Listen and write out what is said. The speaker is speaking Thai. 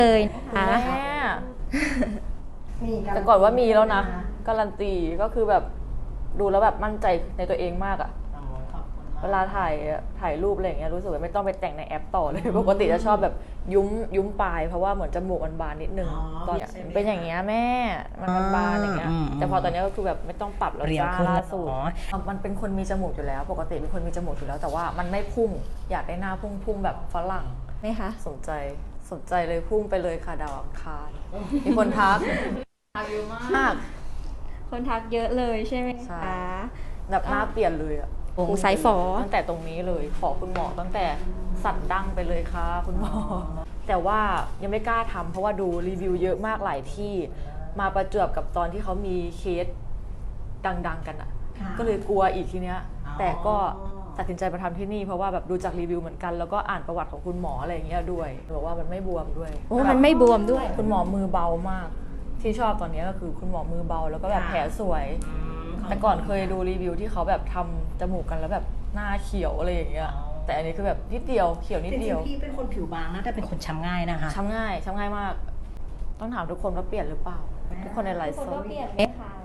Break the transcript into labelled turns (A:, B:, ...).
A: เลยนะคะ
B: แม่แต่ก่อนว่ามีแล้วนะการันตีก็คือแบบดูแล้วแบบมั่นใจในตัวเองมากอะเวลาถ่ายรูปอะไรอย่างเงี้ยรู้สึกว่าไม่ต้องไปแต่งในแอปต่อเลยปกติจะชอบแบบยุ้มปลายเพราะว่าเหมือนจมูกมันบานนิดนึงตอนเป็นอย่างเงี้ยแม่มันบานอย่างเงี้ยแต่พอตอนนี้ก็คือแบบไม่ต้องปรับแล้วจ้าล่าสุดมันเป็นคนมีจมูกอยู่แล้วปกติเป็นคนมีจมูกอยู่แล้วแต่ว่ามันไม่พุ่งอยากได้หน้าพุ่งแบบฝรั่ง
A: ไหมคะ
B: สนใจเลยพุ่งไปเลยค่ะดาวอังคารมีคนทักเยอะมาก
A: คนทักเยอะเลยใช่ไหม
B: ใช่
A: คะ
B: แบบหน้าเปลี่ยนเลยอะ
A: โอ้ไซส์ฝอ
B: ตั้งแต่ตรงนี้เลยขอคุณหมอตั้งแต่สันดั้งไปเลยค่ะคุณหมอ แต่ว่ายังไม่กล้าทำเพราะว่าดูรีวิวเยอะมากหลายที่มาประจวบกับตอนที่เขามีเคสดังๆกันอะก็เลยกลัวอีกทีเนี้ยแต่ก็ตัดสินใจมาทำที่นี่เพราะว่าแบบดูจากรีวิวเหมือนกันแล้วก็อ่านประวัติของคุณหมออะไรอย่างเงี้ยด้วยบอกว่ามันไม่บวมด้วย
A: โอ้มันไม่บวมด้วย
B: คุณหมอมือเบามาก ที่ชอบตอนนี้ก็คือคุณหมอมือเบาแล้วก็แบบแผลสวย แต่ก่อนเคยดูรีวิวที่เขาแบบทำจมูกกันแล้วแบบหน้าเขียวอะไรอย่างเงี้ยแต่อันนี้คือแบบนิดเดียวเขียวนิดเดียว
C: พี่เป็นคนผิวบางนะแต่เป็นคนช้ำง่ายนะคะ
B: ช้ำง่ายมาก ต้องถามทุกคนว่าเปลี่ยนหรือเปล่า ทุกคนในไลฟ์สด
A: เปลี่ยนไหมคะ